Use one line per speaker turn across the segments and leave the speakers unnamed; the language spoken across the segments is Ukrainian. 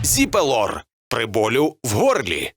Зіпелор при болю в горлі.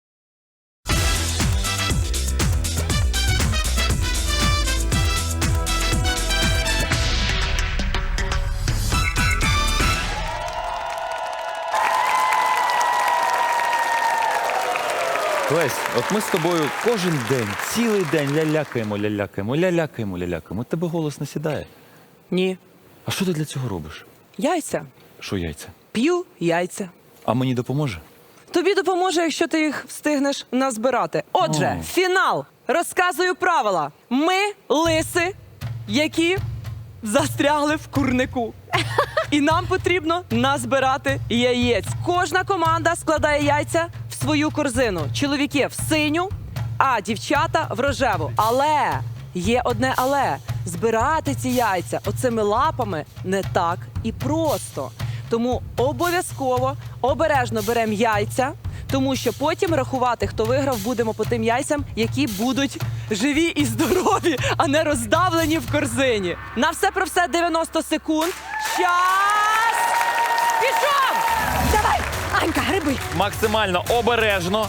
Лесь, от ми з тобою кожен день, цілий день лялякаємо. От тебе голос не сідає.
Ні.
А що ти для цього робиш?
Яйця.
Що яйця?
П'ю яйця.
А мені допоможе?
Тобі допоможе, якщо ти їх встигнеш назбирати. Отже, фінал. Розказую правила. Ми лиси, які застрягли в курнику. І нам потрібно назбирати яєць. Кожна команда складає яйця в свою корзину. Чоловіки в синю, а дівчата в рожеву. Але є одне але. Збирати ці яйця оцими лапами не так і просто. Тому обов'язково обережно беремо яйця, тому що потім рахувати, хто виграв, будемо по тим яйцям, які будуть живі і здорові, а не роздавлені в корзині. На все про все 90 секунд. Час! Пішов!
Давай, Анька, гриби.
Максимально обережно.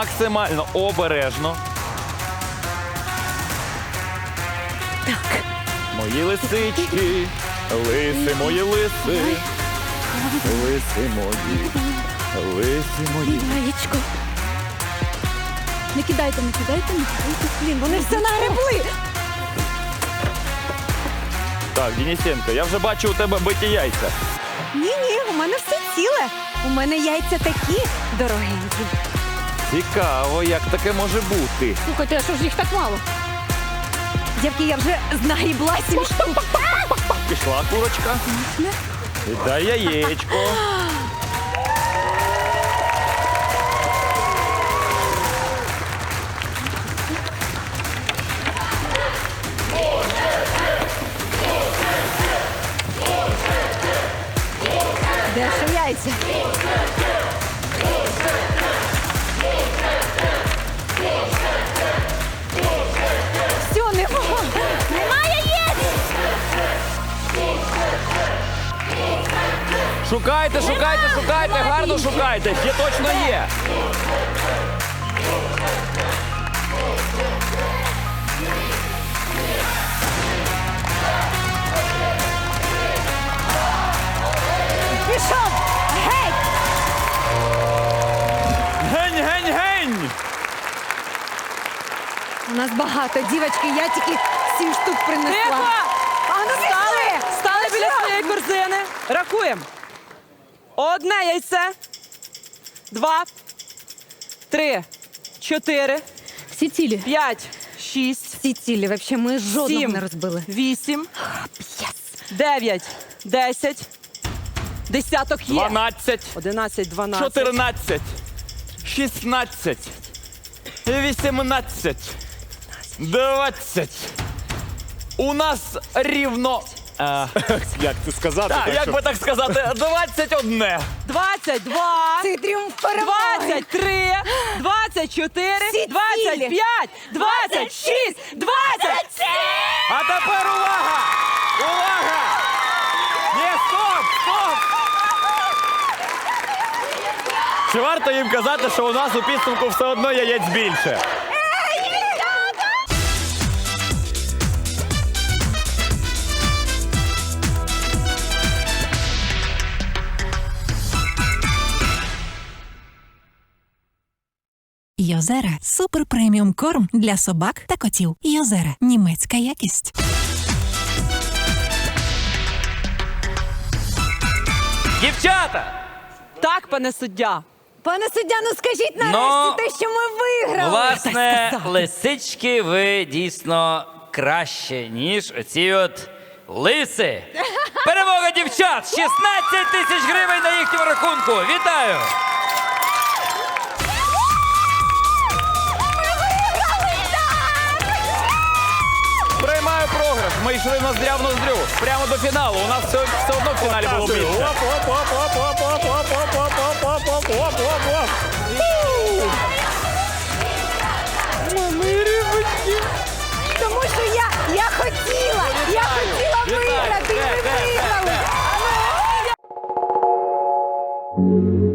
Так.
Мої лисички, лиси мої лиси. Лиси мої.
Яєчко. Не кидайте. Блін, вони все нагребли.
Так, Денисенко, я вже бачу у тебе биті яйця.
Ні, у мене все ціле. У мене яйця такі дорогенькі.
Цікаво, як таке може бути.
Слухайте, а що ж їх так мало? Дівки, я вже знагрібла 7 штук.
Пішла курочка. Дай яєчко.
Де ж яйця? Все, немає яєць!
Шукайте, гарно шукайте. Є точно є.
Пішов! Гей!
Гень!
У нас багато, дівочки, я тільки 7 штук принесла.
Тихо!
А ну
Стали біля своєї корзини. Рахуємо. Одне яйце. 2, 3, 4,
Всі цілі.
5, 6,
Всі цілі, взагалі, ми жодного
7,
не розбили.
8,
Єс!
9, 10. Десяток є.
12,
11, 12.
14, 16, 18, 20. У нас рівно...
Як це сказати?
Так, як би так сказати, 21.
22.
Це тріумф перемоги!
23, 24,
Всі
25, 26, 27!
А тепер увага! Увага! Ні, стоп! Чи варто їм казати, що у нас у підсумку все одно яєць більше?
Йозера – супер преміум корм для собак та котів. Йозера – німецька якість.
Дівчата!
Так, пане суддя.
Пане суддя, ну скажіть нарешті те, що ми виграли.
Власне, лисички, ви дійсно краще, ніж оці от лиси. Перемога дівчат! 16 тисяч гривень на їхньому рахунку. Вітаю!
Приймаю програш. Ми йшли ноздря в ноздрю. Прямо до фіналу. У нас все одно в фіналі було більше.
Тому що я хотіла виграти, і ми виграли.